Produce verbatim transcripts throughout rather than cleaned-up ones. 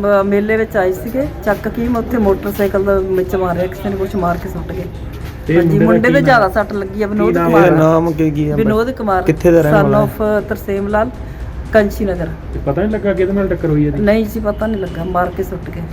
ਮ- ਮੇਲੇ ਵਿੱਚ ਆਏ ਸੀਗੇ ਚੱਕ ਕੀ ਮੈਂ ਉੱਥੇ ਮੋਟਰਸਾਈਕਲ ਦਾ ਵਿੱਚ ਮਾਰਿਆ ਕਿਸੇ ਨੇ, ਕੁਛ ਮਾਰ ਕੇ ਸੁੱਟ ਗਏ। ਤੇ ਹਾਂਜੀ, ਮੁੰਡੇ ਦਾ ਮੁੰਡੇ ਕੀ ਦੇ ਨਾਮ? ਜ਼ਿਆਦਾ ਸੱਟ ਲੱਗੀ ਆ। ਵਿਨੋਦ ਨਾਮ ਕੁਮਾਰ ਹੈ? ਨਾਮ ਕੀ ਕੀ ਹੈ? ਵਿਨੋਦ ਕੁਮਾਰ ਕਿੱਥੇ ਦਾ ਰਹਿਣ ਸਨ ਵਾਲਾ ਆਫ ਤਰਸੇਮ ਲਾਲ, ਕੰਚੀ ਨਗਰ। ਤੇ ਪਤਾ ਨਹੀਂ ਲੱਗਾ ਕਿਹਦੇ ਨਾਲ ਟੱਕਰ ਹੋਈ ਇਹਦੀ? ਨਹੀਂ ਜੀ, ਪਤਾ ਨਹੀਂ ਲੱਗਾ, ਮਾਰ ਕੇ ਸੁੱਟ ਗਏ।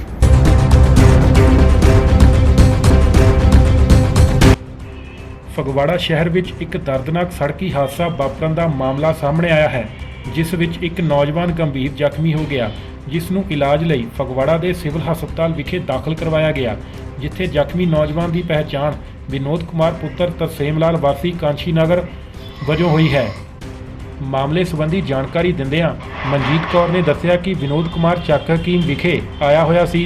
ਫਗਵਾੜਾ ਸ਼ਹਿਰ ਵਿੱਚ ਇੱਕ ਦਰਦਨਾਕ ਸੜਕੀ ਹਾਦਸਾ ਵਾਪਰਨ ਦਾ ਮਾਮਲਾ ਸਾਹਮਣੇ ਆਇਆ ਹੈ, ਜਿਸ ਵਿੱਚ ਇੱਕ ਨੌਜਵਾਨ ਗੰਭੀਰ ਜ਼ਖਮੀ ਹੋ ਗਿਆ, ਜਿਸ ਨੂੰ ਇਲਾਜ ਲਈ ਫਗਵਾੜਾ ਦੇ ਸਿਵਲ ਹਸਪਤਾਲ ਵਿਖੇ ਦਾਖਲ ਕਰਵਾਇਆ ਗਿਆ, ਜਿੱਥੇ ਜ਼ਖਮੀ ਨੌਜਵਾਨ ਦੀ ਪਹਿਚਾਣ ਵਿਨੋਦ ਕੁਮਾਰ ਪੁੱਤਰ ਤਰਸੇਮ ਲਾਲ ਵਾਸੀ ਕਾਂਸ਼ੀ ਨਗਰ ਵਜੋਂ ਹੋਈ ਹੈ। ਮਾਮਲੇ ਸੰਬੰਧੀ ਜਾਣਕਾਰੀ ਦਿੰਦਿਆਂ ਮਨਜੀਤ ਕੌਰ ਨੇ ਦੱਸਿਆ ਕਿ ਵਿਨੋਦ ਕੁਮਾਰ ਚੱਕ ਹਕੀਮ ਵਿਖੇ ਆਇਆ ਹੋਇਆ ਸੀ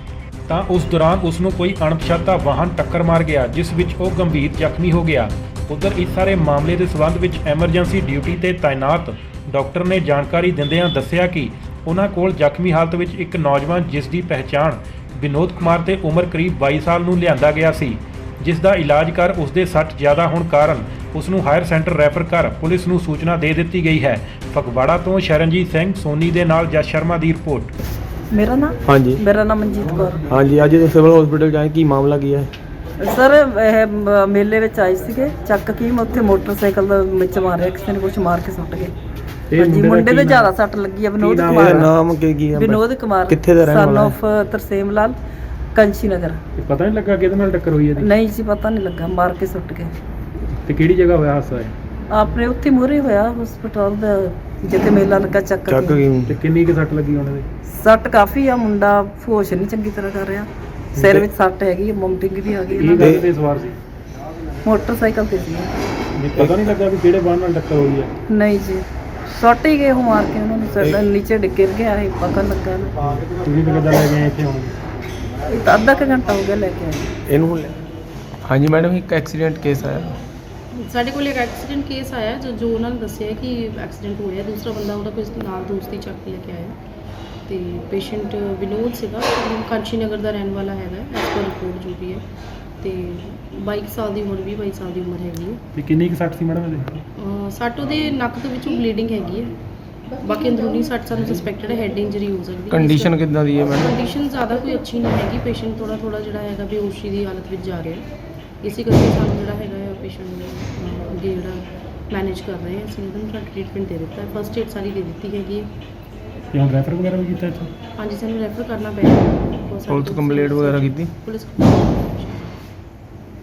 ਤਾਂ ਉਸ ਦੌਰਾਨ ਉਸ ਨੂੰ ਕੋਈ ਅਣਪਛਾਤਾ ਵਾਹਨ ਟੱਕਰ ਮਾਰ ਗਿਆ, ਜਿਸ ਵਿੱਚ ਉਹ ਗੰਭੀਰ ਜ਼ਖਮੀ ਹੋ ਗਿਆ। ਉਧਰ ਇਸ ਸਾਰੇ ਮਾਮਲੇ ਦੇ ਸਬੰਧ ਵਿੱਚ ਐਮਰਜੈਂਸੀ ਡਿਊਟੀ ਤੇ ਤਾਇਨਾਤ ਡਾਕਟਰ ਨੇ ਜਾਣਕਾਰੀ ਦਿੰਦਿਆਂ ਦੱਸਿਆ ਕਿ ਉਹਨਾਂ ਕੋਲ ਜ਼ਖਮੀ ਹਾਲਤ ਵਿੱਚ ਇੱਕ ਨੌਜਵਾਨ, ਜਿਸ ਦੀ ਪਹਿਚਾਣ ਵਿਨੋਦ ਕੁਮਾਰ ਤੇ ਉਮਰ ਕਰੀਬ ਬਾਈ ਸਾਲ ਨੂੰ ਲਿਆਂਦਾ ਗਿਆ ਸੀ, ਜਿਸ ਦਾ ਇਲਾਜ ਕਰ ਉਸ ਦੇ ਸੱਟ ਜ਼ਿਆਦਾ ਹੋਣ ਕਾਰਨ ਉਸ ਨੂੰ ਹਾਇਰ ਸੈਂਟਰ ਰੈਫਰ ਕਰ ਪੁਲਿਸ ਨੂੰ ਸੂਚਨਾ ਦੇ ਦਿੱਤੀ ਗਈ ਹੈ। ਫਗਵਾੜਾ ਤੋਂ ਸ਼ਰਨਜੀਤ ਸਿੰਘ ਸੋਨੀ ਦੇ ਨਾਲ ਜਸ ਸ਼ਰਮਾ ਦੀ ਰਿਪੋਰਟ। ਮੇਰਾ ਨਾਮ ਹਾਂਜੀ ਮੇਰਾ ਨਾਮ ਮਨਜੀਤ ਕੌਰ। ਹਾਂਜੀ, ਅੱਜ ਸਿਵਲ ਹਸਪੀਟਲ ਜਾਏ, ਕੀ ਮਾਮਲਾ ਕੀ ਹੈ? ਸਰ ਇਹ ਮ- ਮੇਲੇ ਵਿੱਚ ਆਏ ਸੀਗੇ ਚੱਕ ਕੀ ਮੈਂ ਉੱਥੇ ਮੋਟਰਸਾਈਕਲ ਦਾ ਵਿੱਚ ਮਾਰਿਆ ਕਿਸੇ ਨੇ, ਕੁਛ ਮਾਰ ਕੇ ਸੁੱਟ ਗਏ। ਤੇ ਹਾਂਜੀ, ਮੁੰਡੇ ਦਾ ਮੁੰਡੇ ਕੀ ਦੇ ਨਾਮ? ਜ਼ਿਆਦਾ ਸੱਟ ਲੱਗੀ ਆ। ਵਿਨੋਦ ਨਾਮ ਕੁਮਾਰ ਹੈ? ਨਾਮ ਕੀ ਕੀ ਹੈ? ਵਿਨੋਦ ਕੁਮਾਰ ਕਿੱਥੇ ਦਾ ਰਹਿਣ ਸਨ ਵਾਲਾ ਆਫ ਤਰਸੇਮ ਲਾਲ, ਕੰਚੀ ਨਗਰ। ਤੇ ਪਤਾ ਨਹੀਂ ਲੱਗਾ ਕਿਹਦੇ ਨਾਲ ਟੱਕਰ ਹੋਈ ਇਹਦੀ? ਨਹੀਂ ਜੀ, ਪਤਾ ਨਹੀਂ ਲੱਗਾ, ਮਾਰ ਕੇ ਸੁੱਟ ਗਏ। ਤੇ ਕਿਹੜੀ ਜਗ੍ਹਾ ਹੋਇਆ ਹਾਦਸਾ ਹੈ? ਆਪਣੇ ਉੱਥੇ ਮੂਹਰੇ ਹੋਇਆ ਹਸਪਤਾਲ ਦਾ, ਜਿੱਥੇ ਮੇਲਾ ਲੱਗਾ ਚੱਕ ਚੱਕ ਕੀ। ਕੀ ਤੇ ਕਿੰਨੀ ਕੁ ਸੱਟ ਲੱਗੀ ਉਹਨਾਂ ਦੇ? ਸੱਟ ਕਾਫੀ ਆ, ਮੁੰਡਾ ਹੋਸ਼ ਨਹੀਂ ਚੰਗੀ ਤਰ੍ਹਾਂ ਕਰ ਰਿਹਾ, ਸਿਰ ਵਿੱਚ ਸੱਟ ਹੈਗੀ, ਮਮਟਿੰਗ ਵੀ ਆ ਗਈ ਇਹ ਇਹਨਾਂ ਗੱਲ ਦੀ। ਤੇ ਸਵਾਰ ਸੀ? ਮੋਟਰਸਾਈਕਲ ਤੇ ਸੀ। ਨਹੀਂ, ਪਤਾ ਨਹੀਂ ਲੱਗਾ ਵੀ ਕਿਹੜੇ ਵਾਹਨ ਨਾਲ ਟੱਕਰ ਹੋਈ ਹੈ? ਨਹੀਂ ਜੀ, ਸੁੱਟ ਹੀ ਗਏ ਉਹ ਮਾਰ ਕੇ, ਉਹਨਾਂ ਨੂੰ ਸਾਡਾ ਨੀਚੇ ਡਿੱਗ ਗਿਰ ਗਿਆ ਇਹ ਪਕੜ ਲੱਗਾ ਨਾ। ਤੁਸੀਂ ਤਾਂ ਕਿੱਦਾਂ ਲੈ ਗਏ ਇੱਥੇ ਹੁਣ? ਇਹ ਤਾਂ ਅੱਧਾ ਕੁ ਘੰਟਾ ਹੋ ਗਿਆ ਲੈ ਕੇ ਆਏ। ਇਹਨੂੰ ਲੈ- ਹਾਂਜੀ ਮੈਡਮ, ਇੱਕ ਐਕਸੀਡੈਂਟ ਕੇਸ ਆਇਆ। ਸਾਡੇ ਕੋਲ ਇੱਕ ਐਕਸੀਡੈਂਟ ਕੇਸ ਆਇਆ ਜੋ ਜੋ ਉਹਨਾਂ ਨੇ ਦੱਸਿਆ ਕਿ ਐਕਸੀਡੈਂਟ ਹੋਇਆ, ਦੂਸਰਾ ਬੰਦਾ ਉਹਦਾ ਕੋਈ ਨਾਲ ਦੋਸਤੀ ਚੱਕ ਕੇ ਲੈ ਕੇ ਆਇਆ ਤੇ ਪੇਸ਼ੈਂਟ ਵਿਨੋਦ ਸੀਗਾ, ਕਾਂਸ਼ੀ ਨਗਰ ਦਾ ਰਹਿਣ ਵਾਲਾ ਹੈਗਾ ਐਸ ਪਰ ਰਿਪੋਰਟ ਜੋ ਵੀ ਹੈ, ਤੇ ਬਾਈ ਸਾਲ ਦੀ ਉਮਰ, ਵੀਹ ਬਾਈ ਸਾਲ ਦੀ ਉਮਰ ਹੈਗੀ ਹੈ। ਤੇ ਕਿੰਨੀ ਕੁ ਸੱਟ ਸੀ ਮੈਡਮ ਇਹਦੇ? ਅਹ ਸੱਟ ਉਹਦੇ ਨੱਕ ਦੇ ਵਿੱਚੋਂ ਬਲੀਡਿੰਗ ਹੈਗੀ ਹੈ, ਬਾਕੀ ਅੰਦਰੂਨੀ ਸੱਟ ਸਾਨੂੰ ਸਸਪੈਕਟਡ ਹੈ, ਹੈਡ ਇੰਜਰੀ ਹੋ ਸਕਦੀ ਹੈ। ਕੰਡੀਸ਼ਨ ਕਿੱਦਾਂ ਦੀ ਹੈ ਮੈਡਮ? ਕੰਡੀਸ਼ਨ ਜ਼ਿਆਦਾ ਕੋਈ ਅੱਛੀ ਨਹੀਂ ਹੈਗੀ, ਪੇਸ਼ੈਂਟ ਥੋੜਾ ਥੋੜਾ ਜਿਹੜਾ ਹੈਗਾ ਬੇਹੋਸ਼ੀ ਦੀ ਹਾਲਤ ਵਿੱਚ ਜਾ ਰਿਹਾ ਹੈ, ਇਸੇ ਕਰਕੇ ਸਾਨੂੰ ਜਿਹੜਾ ਹੈਗਾ ਹੈ ਪੇਸ਼ੈਂਟ ਨੂੰ ਅਹ, ਅੱਗੇ ਜਿਹੜਾ ਮੈਨੇਜ ਕਰ ਰਹੇ ਹਾਂ ਅਸੀਂ, ਉਹਨੂੰ ਸਾਡਾ ਟ੍ਰੀਟਮੈਂਟ ਦੇ ਦਿੱਤਾ, ਫਸਟ ਏਡ ਸਾਰੀ ਦੇ ਦਿੱਤੀ ਹੈਗੀ ਹੈ। ਤੇ ਹੁਣ ਰੈਫਰ ਵਗੈਰਾ ਵੀ ਕੀਤਾ ਇੱਥੇ? ਹਾਂਜੀ, ਸਾਨੂੰ ਰੈਫਰ ਕਰਨਾ ਪਿਆ। ਪੁਲਿਸ ਕੰਪਲੇਂਟ ਵਗੈਰਾ ਕੀਤੀ? ਪੁਲਿਸ